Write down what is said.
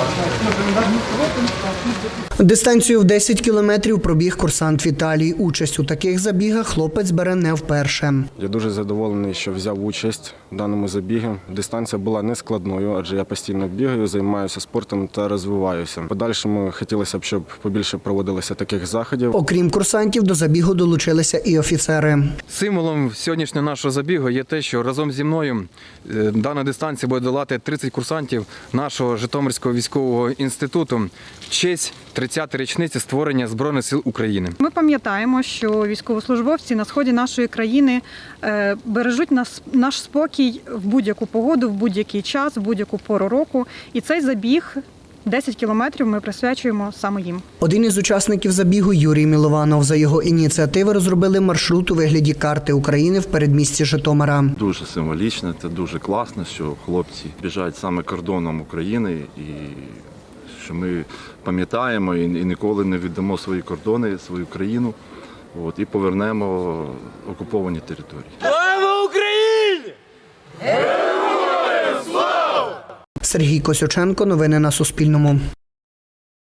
Дистанцію в 10 кілометрів пробіг курсант Віталій. Участь у таких забігах хлопець бере не вперше. Я дуже задоволений, що взяв участь в даному забігі. Дистанція була не складною, адже я постійно бігаю, займаюся спортом та розвиваюся. В подальшому хотілося б, щоб побільше проводилося таких заходів. Окрім курсантів, до забігу долучилися і офіцери. Символом сьогоднішнього нашого забігу є те, що разом зі мною дана дистанція буде долати 30 курсантів нашого Житомирського військового інституту в честь 30-ї річниці створення Збройних сил України. Ми пам'ятаємо, що військовослужбовці на сході нашої країни бережуть наш спокій в будь-яку погоду, в будь-який час, в будь-яку пору року. І цей забіг 10 кілометрів ми присвячуємо саме їм. Один із учасників забігу – Юрій Мілованов. За його ініціативи розробили маршрут у вигляді карти України в передмісті Житомира. Дуже символічно, це дуже класно, що хлопці біжать саме кордоном України і що ми пам'ятаємо і ніколи не віддамо свої кордони, свою країну і повернемо окуповані території. Слава Україні! Сергій Косюченко. Новини на Суспільному.